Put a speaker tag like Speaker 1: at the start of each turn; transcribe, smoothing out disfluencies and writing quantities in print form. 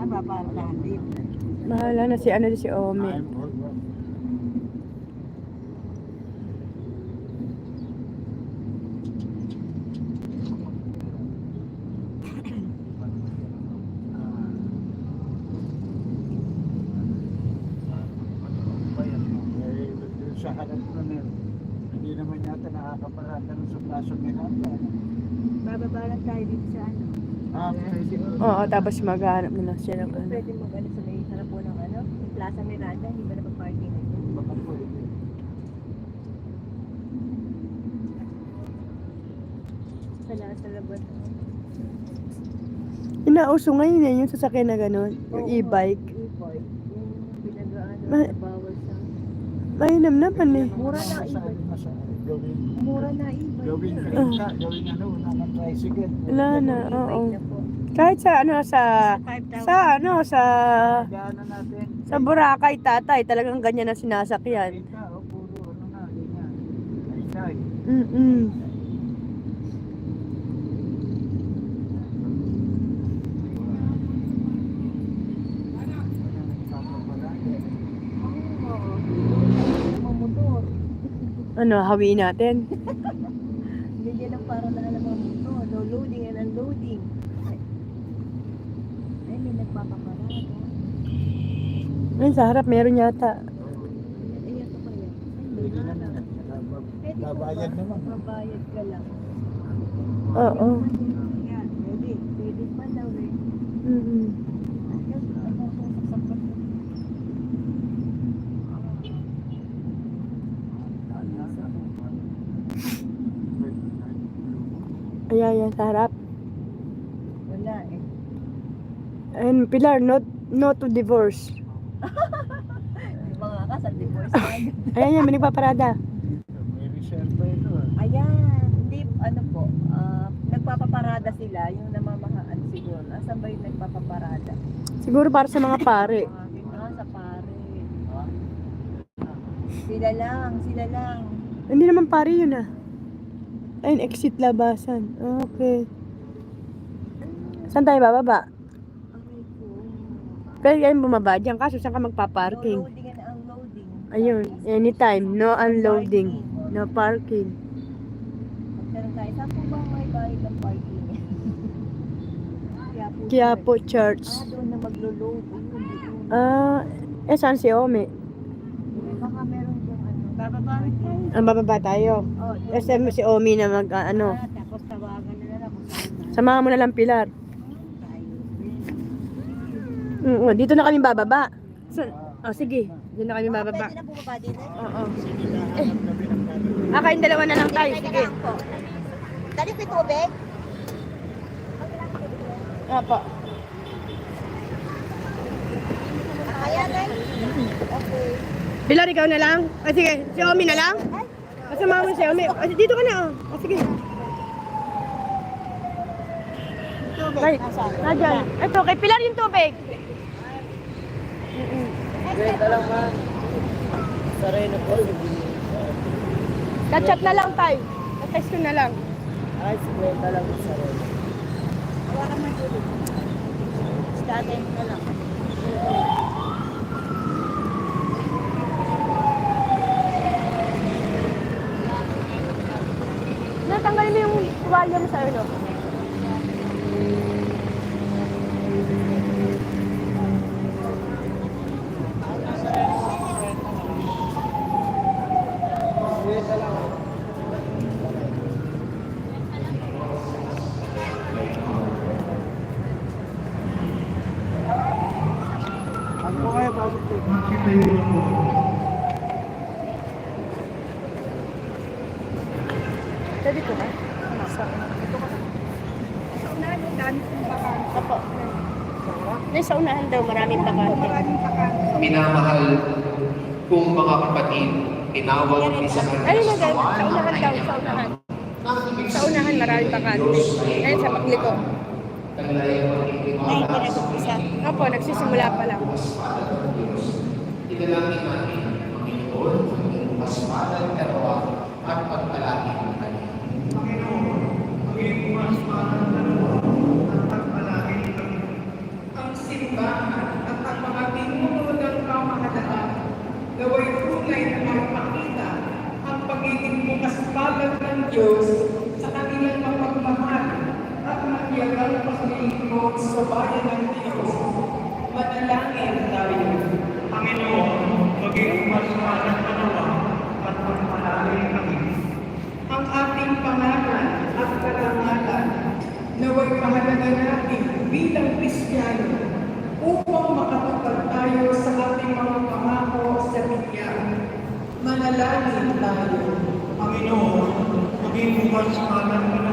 Speaker 1: papaarahan din.
Speaker 2: Mahala na si ano si Omi.
Speaker 3: Sa harap nun eh. Hindi naman yata nakakaparada ng suplasyon ni Handa.
Speaker 1: Bababa lang tayo dito sa ano.
Speaker 3: Pwede.
Speaker 2: Oo, tapos maghanap na lang siya ng ano.
Speaker 1: Pwede mag-ano sa may harap po ng ano, yung Plaza Miranda, hindi ba napag-parking na yun?
Speaker 3: Baka pwede.
Speaker 1: Sa labas.
Speaker 2: Inauso ngayon yung sasakyan na gano'n, yung e-bike.
Speaker 1: E-bike. Yung pinag-ano,
Speaker 2: Ma-
Speaker 1: bawal sa...
Speaker 2: Mainam naman eh.
Speaker 1: Mura na e-bike.
Speaker 3: Gawin.
Speaker 1: Mura na e-bike.
Speaker 3: Gawin ka. Gawin ano, wala ng tricycle.
Speaker 2: Wala na, oo.
Speaker 1: E-bike na po.
Speaker 2: Kahit sa ano sa
Speaker 1: 5,000.
Speaker 3: Gana natin.
Speaker 2: sa Boracay tatay, talagang ganyan na sinasakyan.
Speaker 3: Kita, puro ano na, ganyan. Ay,
Speaker 1: Mamotor.
Speaker 2: Ano, hawiin natin.
Speaker 1: Ganyan ang para na alam mga motor. No loading and unloading. Ay, may nagpapaparada.
Speaker 2: Ay, sa harap meron yata.
Speaker 1: Ay, ito kaya. Ay, may
Speaker 3: pwede
Speaker 1: harap.
Speaker 3: naman.
Speaker 1: Pwede po
Speaker 3: Babayad
Speaker 1: ba?
Speaker 3: naman.
Speaker 1: Mabayad ka lang.
Speaker 2: Oo.
Speaker 1: Yan, pwede. Pwede pa daw eh.
Speaker 2: Mm.
Speaker 1: Ayun, ano, sasaksak.
Speaker 2: Ayan, sa harap.
Speaker 1: Wala eh.
Speaker 2: And Pilar, no to divorce.
Speaker 1: Di ba nga ka sa divorce agad?
Speaker 2: Ayan yan, may nagpaparada.
Speaker 3: May reserve ito.
Speaker 1: Ayan, hindi, ano po, nagpapaparada sila, yung namamahaan siguro. Asan ba yung nagpapaparada?
Speaker 2: Siguro para sa mga pare.
Speaker 1: Sa pare. Sila lang.
Speaker 2: Hindi naman pare yun ah. Ayun, exit labasan. Okay. Saan tayo bababa?
Speaker 1: Aray ko.
Speaker 2: Pwede kayong bumaba dyan, kaso saan ka magpa-parking?
Speaker 1: No loading and unloading.
Speaker 2: Ayun, anytime, no unloading, no parking.
Speaker 1: Magtanong tayo, saan po ba may bayad ng parking?
Speaker 2: Quiapo Church.
Speaker 1: Doon na maglo-load. Ayun.
Speaker 2: Saan si Omi?
Speaker 1: Baka meron yung ano. Bababa tayo.
Speaker 2: Ang bababa tayo.
Speaker 1: Oh, doon.
Speaker 2: Kasi si Omi na mag,
Speaker 1: Tapos tawagan na lang kung saan na.
Speaker 2: samahan mo na lang Pilar.
Speaker 1: Tayo.
Speaker 2: Dito na kami bababa. Sige, dito na kami bababa.
Speaker 1: Pwede na bumaba din eh.
Speaker 2: Oo.
Speaker 3: Sige, hanap kami ng gano'n.
Speaker 2: Kayong dalawa na lang tayo, sige.
Speaker 1: Dali ko yung tubig.
Speaker 2: Opo.
Speaker 1: Ayan eh. Okay.
Speaker 2: Pilar, ikaw na lang? Sige, si Omi na lang? Kasama mo si Omi. Dito ka na, sige. Ay, nadyan. Ito, kay Pilar yung tubig.
Speaker 3: Kwenta lang ma. Sareno po.
Speaker 2: Catch up na lang tayo. Text ko na lang.
Speaker 3: Ay, kwenta lang sa sareno.
Speaker 1: Hawakan mo yung tubig. Statin na lang.
Speaker 2: Natanggalin mo yung tuwalya mo sa ano.
Speaker 3: Kwenta lang. Ano po kayo, pasok po.
Speaker 2: Pwede ko ba? Sa unahan yung dami kong bakante. Opo. Sa unahan daw maraming bakante.
Speaker 4: Minamahal kong mga kapatid, tinawag ni sa
Speaker 2: Ayun na daw, sa unahan daw, sa unahan. Sa unahan maraming bakante. Ayun sa pagliko.
Speaker 1: Ay, pinag-umpisa.
Speaker 2: Opo, nagsisimula pa lang.
Speaker 4: Ilalangin natin ang Panginoon ang iyong kaspalan, karawa at pagpalaki ng Kanya. Ang simbahan
Speaker 5: naway tunay na magpakita ang pagiging bukas palad ng Diyos sa kanilang mapagmahal at matiyagang paglilingkod sa bayan ng Diyos. Manalangin tayo.
Speaker 6: Panginoon, maging mas malang panawa at magpalalim kami.
Speaker 5: Ang ating pangalan at karangalan naway mahalaga natin bilang Kristiyano upang makatupad tayo sa ating mga pangako sa bigyan. Manalangin tayo.
Speaker 6: Panginoon, maging bukas malang